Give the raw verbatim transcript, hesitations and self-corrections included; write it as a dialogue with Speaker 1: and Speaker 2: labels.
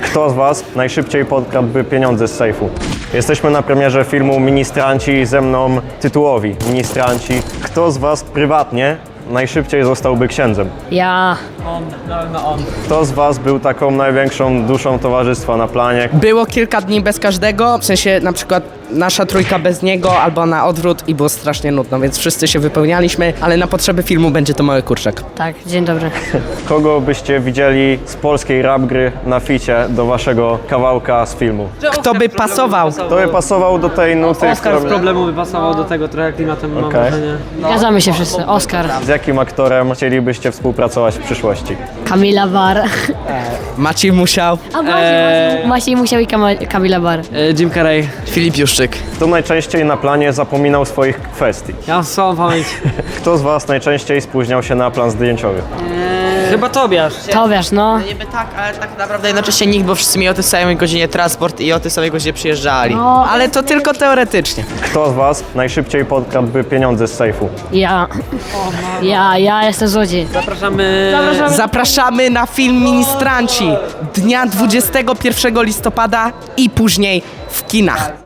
Speaker 1: Kto z was najszybciej podkradłby pieniądze z sejfu? Jesteśmy na premierze filmu Ministranci, ze mną tytułowi Ministranci. Kto z was prywatnie najszybciej zostałby księdzem?
Speaker 2: Ja.
Speaker 3: On, no, no on.
Speaker 1: Kto z was był taką największą duszą towarzystwa na planie?
Speaker 4: Było kilka dni bez każdego, w sensie na przykład nasza trójka bez niego albo na odwrót i było strasznie nudno, więc wszyscy się wypełnialiśmy, ale na potrzeby filmu będzie to mały kurczak.
Speaker 2: Tak, dzień dobry.
Speaker 1: Kogo byście widzieli z polskiej rap gry na ficie do waszego kawałka z filmu?
Speaker 4: Kto by pasował?
Speaker 1: Kto by pasował do tej nuty,
Speaker 3: Oskar z
Speaker 1: którą...
Speaker 3: problemu by pasował do tego trochę klimatem, mam
Speaker 1: Okej.
Speaker 3: wrażenie.
Speaker 2: Zgadzamy się wszyscy. Oskar.
Speaker 1: Z jakim aktorem chcielibyście współpracować w przyszłości?
Speaker 2: Kamila Bar.
Speaker 4: Maciej Musiał.
Speaker 2: A Maciej,
Speaker 3: Eee.
Speaker 2: Maciej Musiał i Kama- Kamila Bar.
Speaker 3: E, Jim Carrey.
Speaker 4: Filip Juszczyk.
Speaker 1: Kto najczęściej na planie zapominał swoich kwestii?
Speaker 3: Ja mam słabą pamięć.
Speaker 1: Kto z was najczęściej spóźniał się na plan zdjęciowy?
Speaker 3: Chyba Tobiasz.
Speaker 2: Tobiasz, no.
Speaker 4: Niby tak, ale tak naprawdę jednocześnie nikt, bo wszyscy mieli o tej samej godzinie transport i o tej samej godzinie przyjeżdżali.
Speaker 2: No.
Speaker 4: Ale to tylko teoretycznie.
Speaker 1: Kto z was najszybciej podkradłby pieniądze z sejfu?
Speaker 2: Ja. Ja, ja jestem złodziej.
Speaker 3: Zapraszamy.
Speaker 2: Zapraszamy.
Speaker 4: Zapraszamy na film Ministranci dnia dwudziestego pierwszego listopada i później w kinach.